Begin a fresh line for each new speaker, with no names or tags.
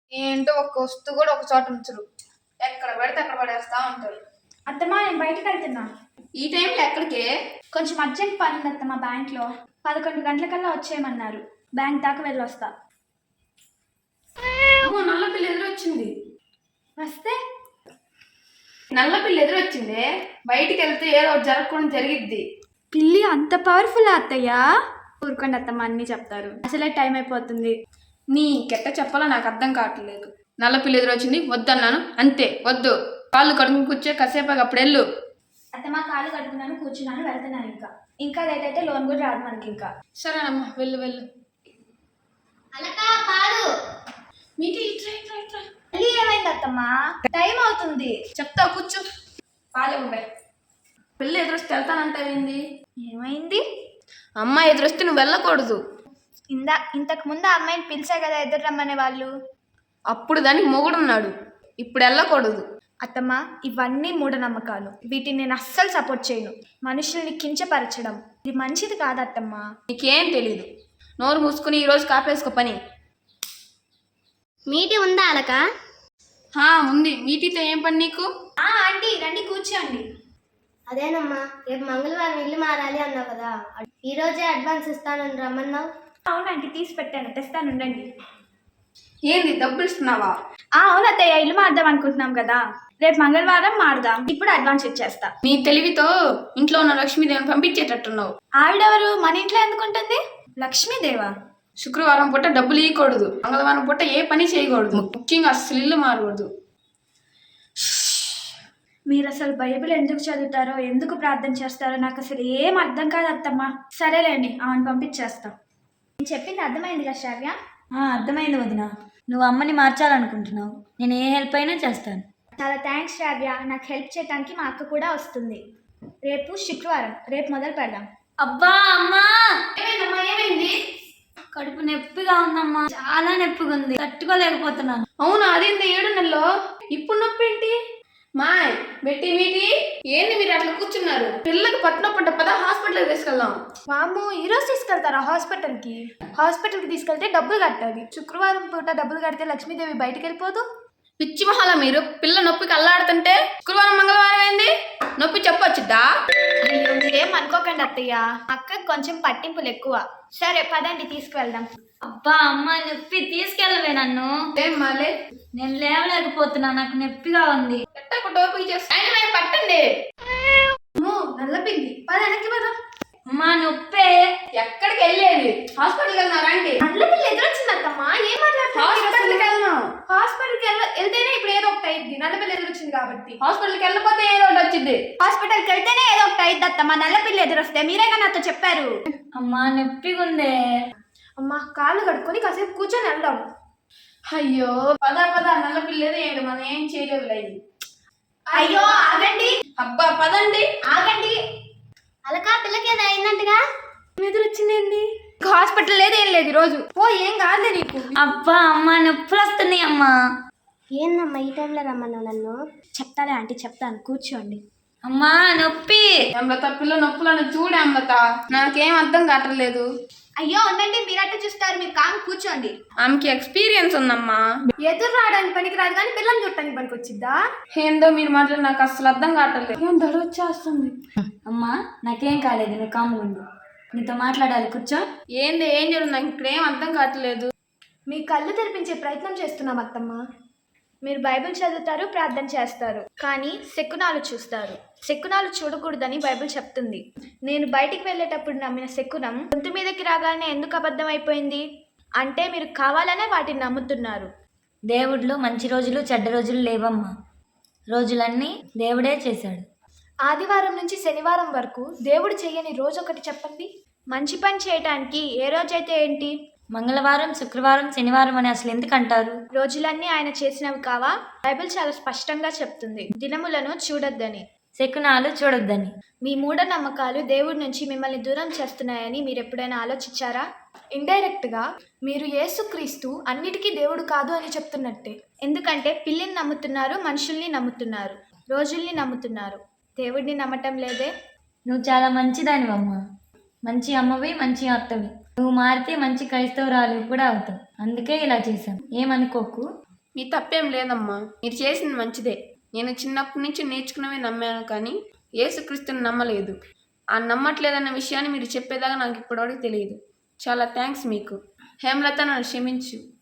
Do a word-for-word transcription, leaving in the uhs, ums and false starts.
ఏంటో ఒక్క వస్తువు కూడా ఒక చోట ఉంచరు, ఎక్కడ పడితే అక్కడ పడేస్తా ఉంటారు.
అత్తమ్మా నేను బయటకు వెళ్తున్నా.
ఈ టైంలో ఎక్కడికే?
కొంచెం అర్జెంట్ పని ఉంది అత్తమ్మా, బ్యాంక్లో పదకొండు గంటలకల్లా వచ్చేయమన్నారు. బ్యాంక్ దాకా వెళ్ళొస్తా.
నల్ల పిల్ల ఎదురొచ్చింది.
వస్తే
నల్ల పిల్ల ఎదురొచ్చింది. బయటికి వెళ్తే ఏదో ఒకటి జరగకుండా జరిగిద్ది.
పిల్లి అంత పవర్ఫుల్ అత్తయ్య? ఊరుకోండి అత్తమ్మ, అన్నీ చెప్తారు. అసలే టైం అయిపోతుంది.
నీకెట్ట చెప్పాలో నాకు అర్థం కావట్లేదు. నల్ల పిల్ల ఎదురొచ్చింది, వద్దన్నాను అంతే. వద్దు, కాళ్ళు కడుకుని కూర్చో, కాసేపు అప్పుడు వెళ్ళు.
అత్తమ్మ కాళ్ళు కడుకున్నాను, కూర్చున్నాను, వెళ్తున్నాను. ఇంకా ఇంకా లేట్ అయితే లోన్ కూడా రాదు మనకి. ఇంకా
సరేనమ్మా, వెళ్ళు వెళ్ళు. మీటి
ఏమైంది అత్తమ్మా? టైం అవుతుంది.
చెప్తా, కూర్చో. పాలే ఉన్నాయి. పిల్ల ఎదురొస్తే వెళ్తానంటావేంది?
ఏమైంది?
అమ్మాయి ఎదురొస్తే నువ్వు వెళ్ళకూడదు.
ఇందా ఇంతకు ముందు ఆ అమ్మాయిని పిలిచా కదా ఎదురు రమ్మనే వాళ్ళు.
అప్పుడు దానికి మొగుడున్నాడు, ఇప్పుడు వెళ్ళకూడదు.
అత్తమ్మ ఇవన్నీ మూఢనమ్మకాలు, వీటిని నేను అస్సలు సపోర్ట్ చేయను. మనుషుల్ని కించపరచడం ఇది మంచిది కాదు అత్తమ్మ.
నీకేం తెలీదు. నోరు మూసుకుని ఈరోజు కాపేసుకో పని.
మీటి ఉందా అలక?
హా ఉంది. మీటితో ఏం పని నీకు?
ఆంటీ రండి కూర్చోండి.
అదేనమ్మా, రేపు మంగళవారం ఇల్లు మారాలి అన్నావు కదా, ఈ రోజే అడ్వాన్స్ ఇస్తానని రమ్మన్నావు.
అవునంటీ, తీసి పెట్టాను, తెస్తాను ఉండండి.
ఏంది డబ్బులు ఇస్తున్నావా?
అవును అత్తయ్య, ఇల్లు మారుదాం అనుకుంటున్నాం కదా, రేపు మంగళవారం మారుదాం. ఇప్పుడు అడ్వాన్స్ ఇచ్చేస్తా.
నీ తెలివితో ఇంట్లో ఉన్న లక్ష్మీదేవిని పంపించేటట్టున్నావు.
ఆవిడెవరు? మన ఇంట్లో ఎందుకుంటుంది? లక్ష్మీదేవా?
శుక్రవారం పూట డబ్బులు ఇవ్వకూడదు, మంగళవారం పూట ఏ పని చేయకూడదు, ముఖ్యంగా అస్సలు ఇల్లు మారకూడదు.
మీరు అసలు బైబిల్ ఎందుకు చదువుతారో, ఎందుకు ప్రార్థన చేస్తారో నాకు అసలు ఏం అర్థం కాదు అత్తమ్మ. సరేలేండి, ఆమెను పంపించేస్తా. నేను చెప్పింది అర్థమైంది కదా శ్రావ్య?
అర్థమైంది వదిన, నువ్వు అమ్మని మార్చాలనుకుంటున్నావు, నేను ఏ హెల్ప్ అయినా చేస్తాను.
చాలా థ్యాంక్స్ శ్రావ్య, నాకు హెల్ప్ చేయడానికి మా అక్క కూడా వస్తుంది. రేపు శుక్రవారం, రేపు మొదలు పెడదాం.
అబ్బా అమ్మా,
ఏమైందమ్మా? ఏమైంది?
కడుపు నొప్పిగా ఉందమ్మా, చాలా నొప్పిగా ఉంది, తట్టుకోలేకపోతున్నాను.
అవునా? అదేంది ఏడు నెలలో ఇప్పుడు నొప్పి ఏంటి? మాయ్ బెట్టి మీటి ఏంది మీరు అట్లా కూర్చున్నారు? పిల్లకి పట్టినప్పుడు పద హాస్పిటల్కి తీసుకెళ్దాం.
వామ్మో, ఈరోజు తీసుకెళ్తారా హాస్పిటల్కి? హాస్పిటల్కి తీసుకెళ్తే డబ్బులు కట్టాలి. శుక్రవారం పూట డబ్బులు కడితే లక్ష్మీదేవి బయటకు వెళ్ళిపోదు.
పిచ్చి మహాల మీరు. పిల్ల నొప్పికి అల్లాడుతుంటే శుక్రవారం మంగళవారం ఏంది నొప్పి చెప్పొచ్చుద్దా?
అయ్యో మీరేం అనుకోకండి అత్తయ్య, అక్కకి కొంచెం పట్టింపులు ఎక్కువ. సరే పదండి తీసుకువెళ్దాం.
అబ్బా అమ్మ, నొప్పి తీసుకెళ్ళవే నన్ను.
ఏం మాలే,
నేను లేవలేకపోతున్నా, నాకు నొప్పిగా ఉంది.
ఎట్టకు టోపీ చేస్తా పట్టండి.
నల్లపిల్లి పద, వెనక్కి పద.
అమ్మా నొప్పే.
ఎక్కడికి వెళ్ళేది? హాస్పిటల్కి వెళ్తున్నారా అండి?
నల్లపిల్లి ఎదురొచ్చింది అత్తమ్మా, ఏం మాట్లాడుతున్నారు?
హాస్పిటల్కి వెళ్దాం.
హాస్పిటల్కి వెళ్ళ వెళ్తేనే ఇప్పుడు ఏదో ఒకటి అయింది. నల్లపిల్లి ఎదురొచ్చింది కాబట్టి.
హాస్పిటల్కి వెళ్ళకపోతే ఏదో ఒకటి వచ్చింది.
హాస్పిటల్కి వెళ్తేనే ఏదో ఒకటి అయింది అత్తమ్మా. నల్లపిల్లి ఎదురొస్తే మీరేగా నాతో చెప్పారు.
అమ్మా నొప్పిగా ఉందే.
అమ్మా కాళ్ళు కడుక్కొని కాసేపు కూర్చొని వెళ్దాం.
అయ్యో పద పద, నల్ల పిల్లేదు ఏంటి, మనం ఏం చేయలేవు లేదు.
అయ్యో ఆగండి.
అబ్బా పదండి.
ఆగండి.
అలక పిల్లకి ఏదో అయిందంటగా?
ఎదురొచ్చిందేంటి? హాస్పిటల్ లేదు, ఏం లేదు ఈరోజు. ఓ ఏం కాదులే నీకు.
అబ్బా అమ్మ, నొప్పులు వస్తున్నాయి అమ్మా.
ఏందమ్మా ఈ టైంలో రమ్మన్నావు నన్ను?
చెప్తాలే ఆంటీ, చెప్తాను, కూర్చోండి.
అమ్మా నొప్పి.
అమృత పిల్ల నొప్పులను చూడే అమృత, నాకేం అర్థం కావట్లేదు.
అయ్యో ఉండండి, మీరట్టే చూస్తారు, మీరు కాము కూర్చోండి.
ఆమెకి ఎక్స్పీరియన్స్ ఉందమ్మా.
ఎదురు రావడానికి పనికి రాదు కానీ పిల్లల్ని చూడటానికి పనికి వచ్చిద్దా?
ఏందో మీరు మాట్లాడి నాకు అసలు అర్థం కావట్లేదు. ఏం దడ వచ్చేస్తుంది.
అమ్మా నాకేం కాలేదు, నువ్వు కాముగా ఉండు, నీతో మాట్లాడాలి, కూర్చో.
ఏంది ఏం జరుగుతుంది నాకు ఇక్కడ ఏం అర్థం కావట్లేదు.
మీ కళ్ళు తెరిపించే ప్రయత్నం చేస్తున్నాం అత్తమ్మ. మీరు బైబిల్ చదువుతారు, ప్రార్థన చేస్తారు, కానీ శకునాలు చూస్తారు. శకునాలు చూడకూడదని బైబిల్ చెప్తుంది. నేను బయటికి వెళ్ళేటప్పుడు నమ్మిన శకునం గొంతు మీదకి రాగానే ఎందుకు అబద్ధం అయిపోయింది అంటే మీరు కావాలనే వాటిని నమ్ముతున్నారు.
దేవుడిలో మంచి రోజులు చెడ్డ రోజులు లేవమ్మా, రోజులన్నీ దేవుడే చేశాడు.
ఆదివారం నుంచి శనివారం వరకు దేవుడు చేయని రోజు ఒకటి చెప్పండి. మంచి పని చేయటానికి ఏ రోజైతే ఏంటి?
మంగళవారం, శుక్రవారం, శనివారం అని అసలు ఎందుకు అంటారు?
రోజులన్నీ ఆయన చేసినవి కావా? బైబిల్ చాలా స్పష్టంగా చెప్తుంది దినములను చూడొద్దని,
శకునాలు చూడొద్దని.
మీ మూఢనమ్మకాలు దేవుడి నుంచి మిమ్మల్ని దూరం చేస్తున్నాయని మీరు ఎప్పుడైనా ఆలోచించారా? ఇండైరెక్ట్గా మీరు యేసుక్రీస్తు అన్నిటికీ దేవుడు కాదు అని చెప్తున్నట్టే. ఎందుకంటే పిల్లిని నమ్ముతున్నారు, మనుషుల్ని నమ్ముతున్నారు, రోజుల్ని నమ్ముతున్నారు, దేవుడిని నమ్మటం లేదే.
నువ్వు చాలా మంచిదానివమ్మా, మంచి అమ్మవి, మంచి అత్తవి. నువ్వు మారితే మంచి క్రైస్తవురాలు కూడా అవుతావు, అందుకే ఇలా చేశాం, ఏమనుకోకు.
మీ తప్పేం లేదమ్మా, మీరు చేసింది మంచిదే. నేను చిన్నప్పటి నుంచి నేర్చుకున్నవే నమ్మాను, కానీ యేసుక్రీస్తుని నమ్మలేదు. ఆ నమ్మట్లేదన్న విషయాన్ని మీరు చెప్పేదాకా నాకు ఇప్పటివరకు తెలియదు. చాలా థ్యాంక్స్ మీకు. హేమలత, నన్ను క్షమించు.